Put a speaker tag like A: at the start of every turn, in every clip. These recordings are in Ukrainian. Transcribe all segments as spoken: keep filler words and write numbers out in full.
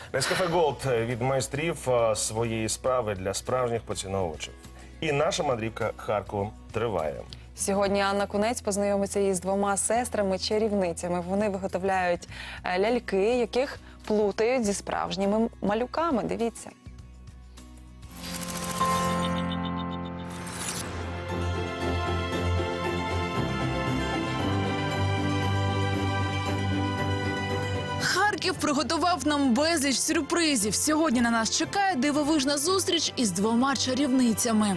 A: Нескафе Голд від майстрів своєї справи для справжніх поціновувачів. І наша мандрівка Харковом триває.
B: Сьогодні Анна Кунець познайомиться із двома сестрами-чарівницями. Вони виготовляють ляльки, яких плутають зі справжніми малюками. Дивіться.
C: Харків приготував нам безліч сюрпризів. Сьогодні на нас чекає дивовижна зустріч із двома чарівницями.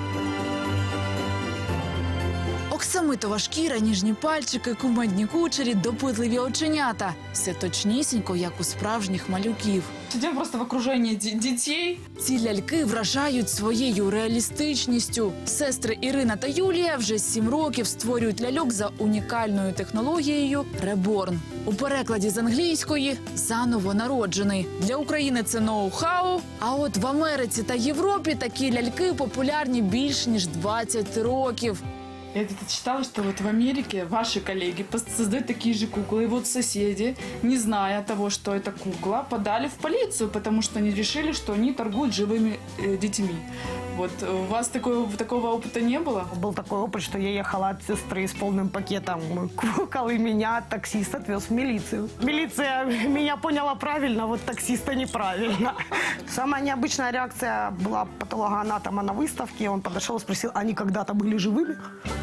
C: Оксамитова шкіра, ніжні пальчики, кумедні кучері, допитливі оченята. Все точнісінько, як у справжніх малюків.
D: Сидим просто в окружении дітей.
C: Ці ляльки вражають своєю реалістичністю. Сестри Ірина та Юлія вже сім років створюють ляльок за унікальною технологією «Реборн». У перекладі з англійської «заново народжений». Для України це ноу-хау, а от в Америці та Європі такі ляльки популярні більш ніж двадцять років.
D: Я где-то читала, что вот в Америке ваши коллеги создают такие же куклы. И вот соседи, не зная того, что это кукла, подали в полицию, потому что они решили, что они торгуют живыми э, детьми. Вот у вас такого, такого опыта не было?
E: Был такой опыт, что я ехала от сестры с полным пакетом кукол, и меня таксист отвез в милицию. Милиция меня поняла правильно, вот таксиста неправильно. Самая необычная реакция была патологоанатома на выставке. Он подошел и спросил, они когда-то были живыми?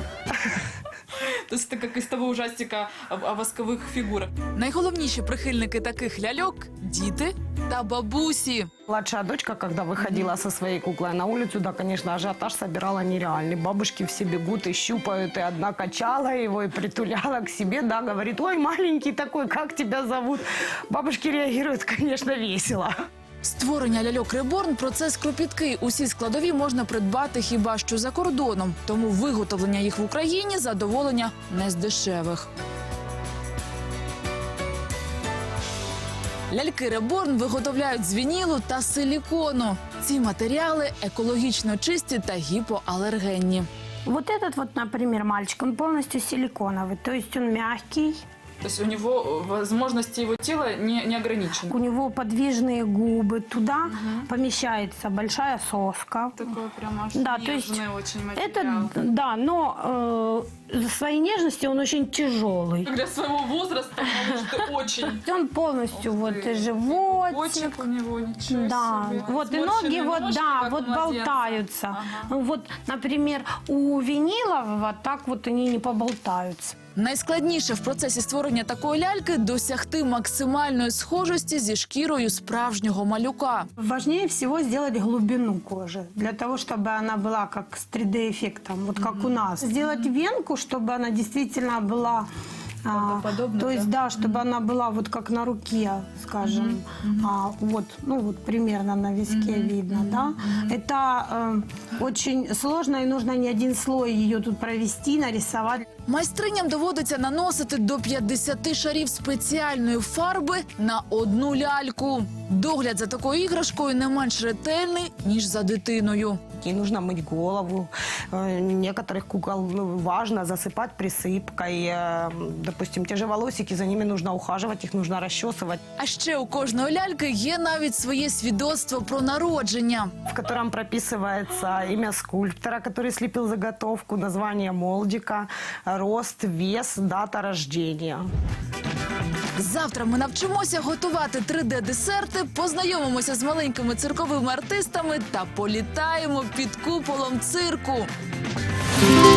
D: То есть это как из того ужастика о, о восковых фигурах.
C: Найголовніші прихильники таких ляльок – діти та бабусі.
E: Младшая дочка, когда выходила со своей куклой на улицу, да, конечно, ажиотаж собирала нереальный. Бабушки все бегут и щупают, и одна качала его и притуляла к себе, да, говорит, ой, маленький такой, как тебя зовут? Бабушки реагируют, конечно, весело.
C: Створення ляльок «Реборн» – процес кропіткий. Усі складові можна придбати хіба що за кордоном. Тому виготовлення їх в Україні – задоволення не з дешевих. Ляльки «Реборн» виготовляють з вінілу та силікону. Ці матеріали екологічно чисті та гіпоалергенні.
F: Вот этот вот, например, мальчик, он полностью силиконовый, то есть он мягкий.
D: То есть у него возможности его тела не, не ограничены.
F: У него подвижные губы, туда угу. помещается большая соска.
D: Такой прям аж
F: да,
D: нежный
F: то есть
D: очень материал.
F: Это, да, но э, за своей нежностью он очень тяжелый.
D: Для своего возраста, потому что очень.
F: Он полностью вот животик.
D: Почек у него, ничего
F: да,
D: себе.
F: вот и ноги вот,
D: ножки,
F: да, вот болтаются. Ага. Вот, например, у винилового так вот они не поболтаются.
C: Найскладніше в процесі створення такої ляльки – досягти максимальної схожості зі шкірою справжнього малюка.
F: Важнее всего сделать глубину кожи, для того, чтобы она была как с три дэ эффектом, вот как mm-hmm. у нас. Сделать венку, чтобы она действительно была... А, то есть, да, чтобы она была вот как на руке, скажем, mm-hmm. а, вот, ну вот примерно на виске mm-hmm. видно, да. Mm-hmm. Это э, очень сложно, и нужно не один слой ее тут провести, нарисовать.
C: Майстриням доводиться наносити до п'ятдесят шарів спеціальної фарби на одну ляльку. Догляд за такою іграшкою не менш ретельний, ніж за дитиною.
E: Ей нужно мыть голову. Некоторых кукол важно засыпать присыпкой. Допустим, те же волосики, за ними нужно ухаживать, их нужно расчесывать.
C: А ще у кожної ляльки є навіть своє свідоцтво про народження,
E: в котором прописывается имя скульптора, который слепил заготовку, название молдика, рост, вес, дата рождения.
C: Завтра ми навчимося готувати три дэ десерти, познайомимося з маленькими цирковими артистами та політаємо під куполом цирку.